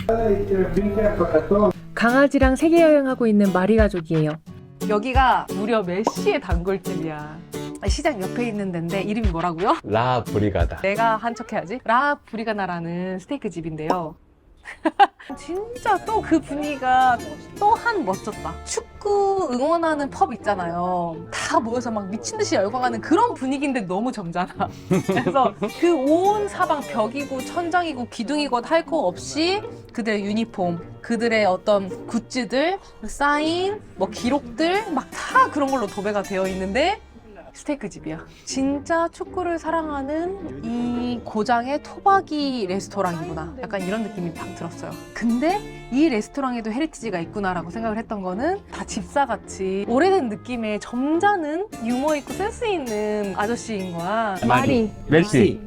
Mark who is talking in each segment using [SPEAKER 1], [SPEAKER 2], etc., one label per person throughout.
[SPEAKER 1] 강아지랑 세계 여행하고 있는 마리 가족이에요. 여기가 무려 메시의 단골집이야. 시장 옆에 있는 데인데 이름이 뭐라고요?
[SPEAKER 2] 라 브리가다.
[SPEAKER 1] 내가 한 척 해야지. 라 브리가나라는 스테이크 집인데요. 진짜 또 그 분위기가 또한 멋졌다. 축구 응원하는 펍 있잖아요. 다 모여서 막 미친 듯이 열광하는 그런 분위기인데 너무 점잖아. 그래서 그 온 사방 벽이고 천장이고 기둥이고 할 거 없이 그들의 유니폼, 그들의 어떤 굿즈들, 사인, 뭐 기록들 막 다 그런 걸로 도배가 되어 있는데 스테이크 집이야. 진짜 축구를 사랑하는 이 고장의 토박이 레스토랑이구나. 약간 이런 느낌이 딱 들었어요. 근데 이 레스토랑에도 헤리티지가 있구나라고 생각을 했던 거는 다 집사같이 오래된 느낌의 점잖은 유머 있고 센스 있는 아저씨인 거야. 마리.
[SPEAKER 2] 메시.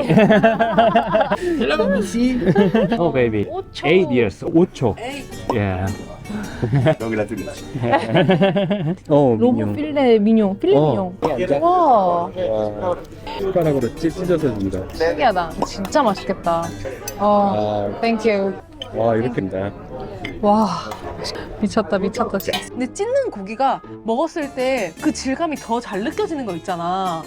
[SPEAKER 3] Hello, Messi.
[SPEAKER 2] Oh baby. 8 years. 5초. Yeah.
[SPEAKER 3] 여기다 드리지.
[SPEAKER 1] 로브 필레 미뇽. 필레 미뇽. 와,
[SPEAKER 2] 숟가락으로 찢어서 준다.
[SPEAKER 1] 신기하다. 진짜 맛있겠다. 땡큐.
[SPEAKER 2] 와 이렇게입니다.
[SPEAKER 1] 와, 미쳤다. 근데 찢는 고기가 먹었을 때 그 질감이 더 잘 느껴지는 거 있잖아.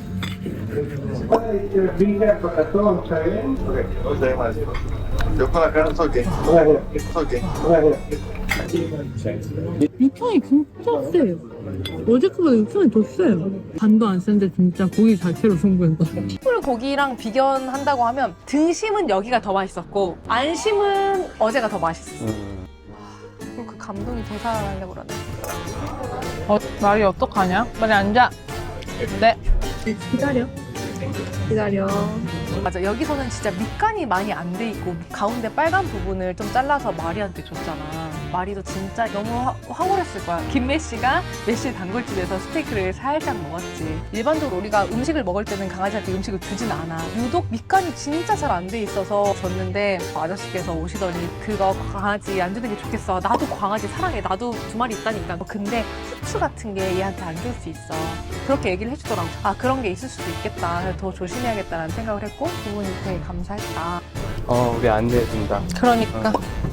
[SPEAKER 4] 육향이 진짜 세요. 어제 거보다 육향이 더 세요. 간도 안 센데 진짜 고기 자체로 승부한다.
[SPEAKER 1] 숯불 고기랑 비견한다고 하면 등심은 여기가 더 맛있었고 안심은 어제가 더 맛있었어. 그리고 그 감동이 되살아나려고 그러네.
[SPEAKER 4] 말이 어떡하냐? 빨리 앉아. 네. 기다려.
[SPEAKER 1] 맞아, 여기서는 진짜 밑간이 많이 안 돼 있고 가운데 빨간 부분을 좀 잘라서 마리한테 줬잖아. 마리도 진짜 너무 황홀했을 거야. 김메시가 메시 단골집에서 스테이크를 살짝 먹었지. 일반적으로 우리가 음식을 먹을 때는 강아지한테 음식을 주진 않아. 유독 밑간이 진짜 잘 안 돼 있어서 줬는데 아저씨께서 오시더니 그거 강아지 안 주는 게 좋겠어. 나도 강아지 사랑해. 나도 2마리 있다니까. 근데 후추 같은 게 얘한테 안 줄 수 있어. 그렇게 얘기를 해주더라고. 아, 그런 게 있을 수도 있겠다. 그래서 더 조심해야겠다라는 생각을 했고 그분이 되게 감사했다.
[SPEAKER 2] 우리 안내해준다.
[SPEAKER 1] 그러니까.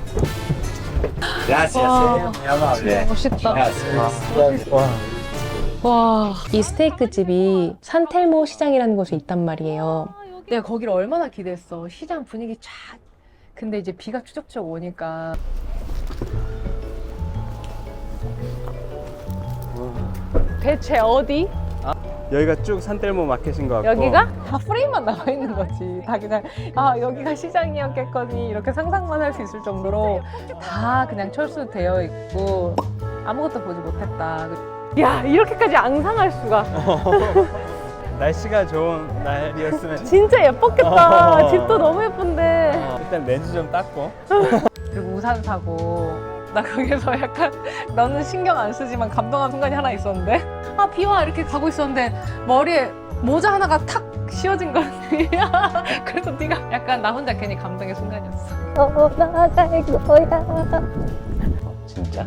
[SPEAKER 3] Gracias,
[SPEAKER 1] 멋있다.
[SPEAKER 2] 와.
[SPEAKER 1] 와, 이 스테이크 집이 산텔모 시장이라는 곳에 있단 말이에요. 내가 거기를 얼마나 기대했어. 시장 분위기 쫙. 근데 이제 비가 추적추적 오니까. 대체 어디?
[SPEAKER 2] 여기가 쭉 산텔모 마켓인 것 같고.
[SPEAKER 1] 여기가? 다 프레임만 나와 있는 거지. 다 그냥 여기가 시장이었겠거니 이렇게 상상만 할 수 있을 정도로 다 그냥 철수되어 있고 아무것도 보지 못했다. 야, 이렇게까지 앙상할 수가.
[SPEAKER 2] 날씨가 좋은 날이었으면
[SPEAKER 1] 진짜 예뻤겠다. 집도 너무 예쁜데.
[SPEAKER 2] 일단 렌즈 좀 닦고.
[SPEAKER 1] 그리고 우산 사고. 나 거기서 약간 너는 신경 안 쓰지만 감동한 순간이 하나 있었는데 비와 이렇게 가고 있었는데 머리에 모자 하나가 탁 씌워진 거지. 그래서 네가 약간 나 혼자 괜히 감동의 순간이었어. 나갈 거야.
[SPEAKER 2] 진짜?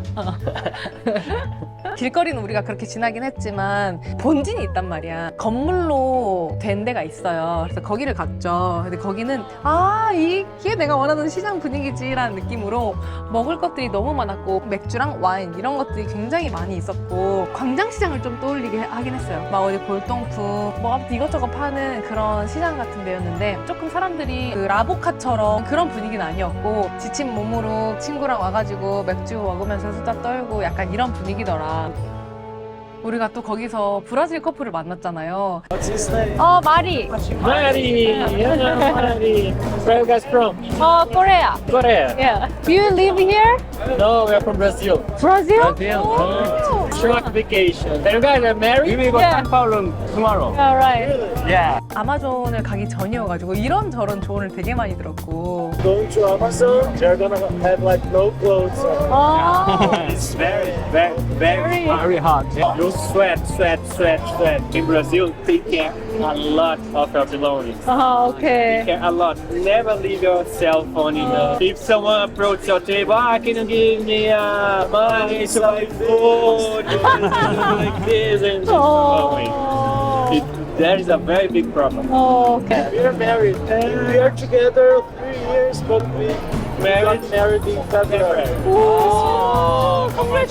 [SPEAKER 1] 길거리는 우리가 그렇게 지나긴 했지만 본진이 있단 말이야. 건물로 된 데가 있어요. 그래서 거기를 갔죠. 근데 거기는 이게 내가 원하는 시장 분위기지라는 느낌으로 먹을 것들이 너무 많았고 맥주랑 와인 이런 것들이 굉장히 많이 있었고 광장시장을 좀 떠올리게 하긴 했어요. 막 어디 골동품 뭐 아무튼 이것저것 파는 그런 시장 같은 데였는데 조금 사람들이 그 라보카처럼 그런 분위기는 아니었고 지친 몸으로 친구랑 와가지고 맥주 먹으면서 수다 떨고 약간 이런 분위기더라. 우리가 또 거기서 브라질 커플을 만났잖아요. 마리.
[SPEAKER 5] Mari, Mari. Where you guys from?
[SPEAKER 1] 코리아.
[SPEAKER 5] Korea.
[SPEAKER 1] Yeah. Do you live here?
[SPEAKER 5] No, we are from Brazil.
[SPEAKER 1] Brazil?
[SPEAKER 5] Brazil. Short vacation. And you guys are married?
[SPEAKER 2] We will go
[SPEAKER 1] Yeah.
[SPEAKER 2] San Paulo tomorrow.
[SPEAKER 1] Alright.
[SPEAKER 2] Yeah.
[SPEAKER 1] 아마존을 가기 전이어가지고 이런저런 조언을 되게 많이 들었고.
[SPEAKER 5] Going to Amazon, they're gonna have like no clothes. It's very, very, very,
[SPEAKER 2] Very hot.
[SPEAKER 5] You sweat. In Brazil, take care a lot of your belongings.
[SPEAKER 1] 오케이.
[SPEAKER 5] Care a lot. Never leave your cell phone in the. If someone approaches your table, can you give me money to buy food? Like this and just there is a very big problem.
[SPEAKER 1] 오케이.
[SPEAKER 5] We are married and we are together 3 years, but we Married in February.
[SPEAKER 1] 오,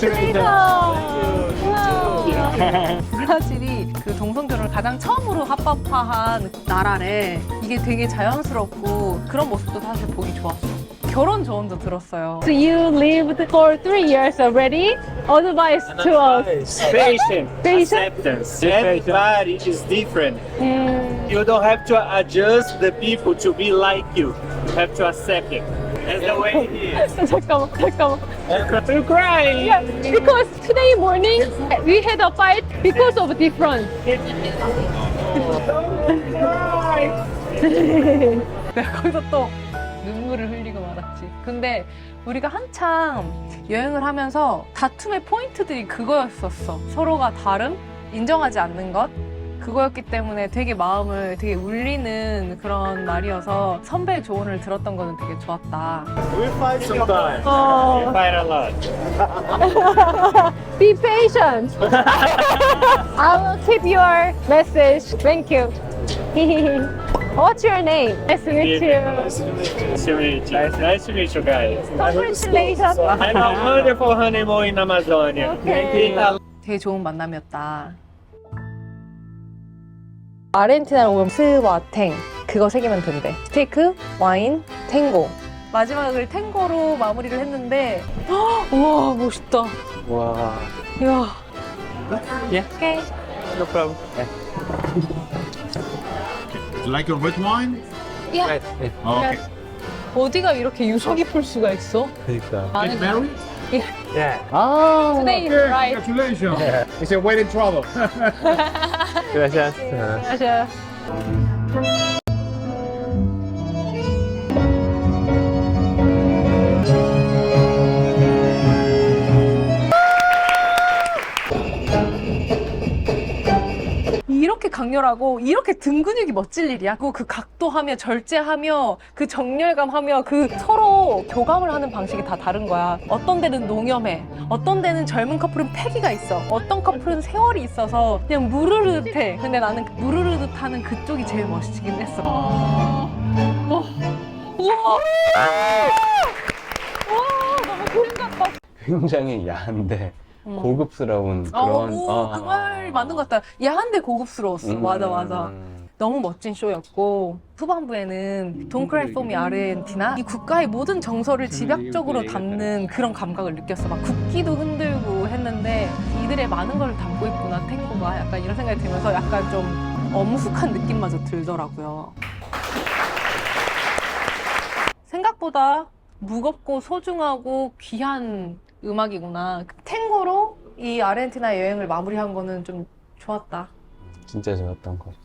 [SPEAKER 1] 브라질이 그 동성결혼을 가장 처음으로 합법화한 나라래. 이게 되게 자연스럽고 그런 모습도 사실 보기 좋았어. 결혼 조언도 들었어요.
[SPEAKER 4] So you lived for 3 years already. Advice to us.
[SPEAKER 5] Patience,
[SPEAKER 4] Patient.
[SPEAKER 5] acceptance. Everybody is different. You don't have to adjust the people to be like you. You have to accept it. That's the way it is.
[SPEAKER 4] 잠깐만.
[SPEAKER 5] You're crying.
[SPEAKER 4] Yeah, because today morning we had a fight because of difference.
[SPEAKER 1] 내가 거기서 또 눈물을 흘리고 말았지. 근데 우리가 한창 여행을 하면서 다툼의 포인트들이 그거였었어. 서로가 다름, 인정하지 않는 것. 그거였기 때문에 되게 마음을 되게 울리는 그런 날이어서 선배의 조언을 들었던 거는 되게 좋았다.
[SPEAKER 5] We fight sometimes.
[SPEAKER 4] Oh.
[SPEAKER 5] We fight a lot.
[SPEAKER 4] Be patient. I will keep your message. Thank you. What's your name? Nice to meet you.
[SPEAKER 5] Nice to meet you. Nice to meet you guys.
[SPEAKER 4] Congratulations.
[SPEAKER 5] Have a wonderful honeymoon in Amazonia.
[SPEAKER 4] Okay.
[SPEAKER 1] 되게 좋은 만남이었다. 아르헨티나로 오면 스와탱 그거 새기면 된대. 스테이크, 와인, 탱고. 마지막을 탱고로 마무리를 했는데 우와 멋있다.
[SPEAKER 3] 와.
[SPEAKER 1] 이야.
[SPEAKER 2] Yeah.
[SPEAKER 1] 오케이.
[SPEAKER 5] No problem.
[SPEAKER 6] You like your red wine?
[SPEAKER 1] 야.
[SPEAKER 6] Oh, okay.
[SPEAKER 1] 어디가 이렇게 유서 깊을 수가 있어?
[SPEAKER 3] 그러니까.
[SPEAKER 6] Get married?
[SPEAKER 5] Yeah.
[SPEAKER 3] 아.
[SPEAKER 4] Today is right.
[SPEAKER 6] Congratulations. Is your wedding trouble?
[SPEAKER 5] Gracias.
[SPEAKER 4] Gracias.
[SPEAKER 1] 이렇게 강렬하고 이렇게 등 근육이 멋질 일이야. 그 각도하며 절제하며 그 정렬감하며 그 서로 교감을 하는 방식이 다 다른 거야. 어떤 데는 농염해, 어떤 데는 젊은 커플은 패기가 있어, 어떤 커플은 세월이 있어서 그냥 무르르듯해. 근데 나는 무르르듯하는 그쪽이 제일 멋있긴 했어. 우와, 너무 그림 같다.
[SPEAKER 3] 굉장히 야한데 고급스러운 그런.
[SPEAKER 1] 그 말 맞는 것 같다. 야한데 고급스러웠어. 맞아. 너무 멋진 쇼였고 후반부에는 Don't Cry For Me 아르헨티나 이 국가의 모든 정서를 집약적으로 담는 그런 감각을 느꼈어. 막 국기도 흔들고 했는데 이들의 많은 걸 담고 있구나 탱고가. 약간 이런 생각이 들면서 약간 좀 엄숙한 느낌마저 들더라고요. 생각보다 무겁고 소중하고 귀한 음악이구나. 탱고로 이 아르헨티나 여행을 마무리한 거는 좀 좋았다.
[SPEAKER 3] 진짜 좋았던 거.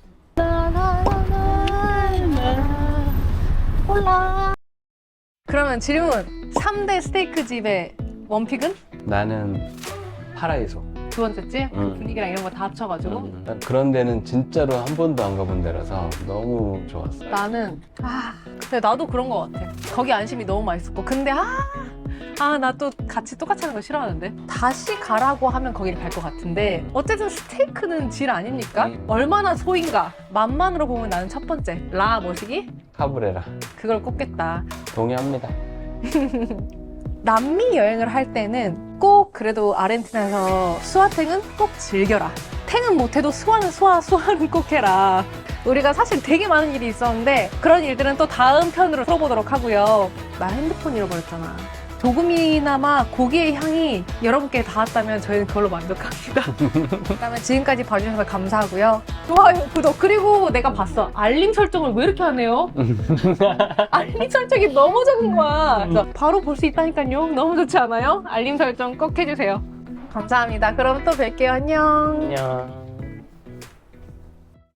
[SPEAKER 1] 그러면 질문. 3대 스테이크 집의 원픽은?
[SPEAKER 3] 나는 파라이소.
[SPEAKER 1] 두 번째지?
[SPEAKER 3] 음.
[SPEAKER 1] 분위기랑 이런 거 다 합쳐가지고.
[SPEAKER 3] 그런 데는 진짜로 한 번도 안 가본 데라서 너무 좋았어.
[SPEAKER 1] 나는 근데 나도 그런 거 같아. 거기 안심이 너무 맛있었고 근데 나 또 같이 똑같이 하는 거 싫어하는데 다시 가라고 하면 거기를 갈 것 같은데 어쨌든 스테이크는 질 아닙니까? 얼마나 소인가. 맛만으로 보면 나는 첫 번째 라 뭐시기?
[SPEAKER 3] 카브레라.
[SPEAKER 1] 그걸 꼽겠다.
[SPEAKER 3] 동의합니다.
[SPEAKER 1] 남미 여행을 할 때는 꼭 그래도 아르헨티나에서 수화탱은 꼭 즐겨라. 탱은 못해도 수화는 꼭 해라. 우리가 사실 되게 많은 일이 있었는데 그런 일들은 또 다음 편으로 풀어보도록 하고요. 나 핸드폰 잃어버렸잖아. 조금이나마 고기의 향이 여러분께 닿았다면 저희는 그걸로 만족합니다. 그러면 지금까지 봐주셔서 감사하고요. 좋아요, 구독. 그리고 내가 봤어. 알림 설정을 왜 이렇게 하네요? 알림 설정이 너무 적은 거야. 그래서 바로 볼 수 있다니까요. 너무 좋지 않아요? 알림 설정 꼭 해주세요. 감사합니다. 그럼 또 뵐게요. 안녕.
[SPEAKER 3] 안녕.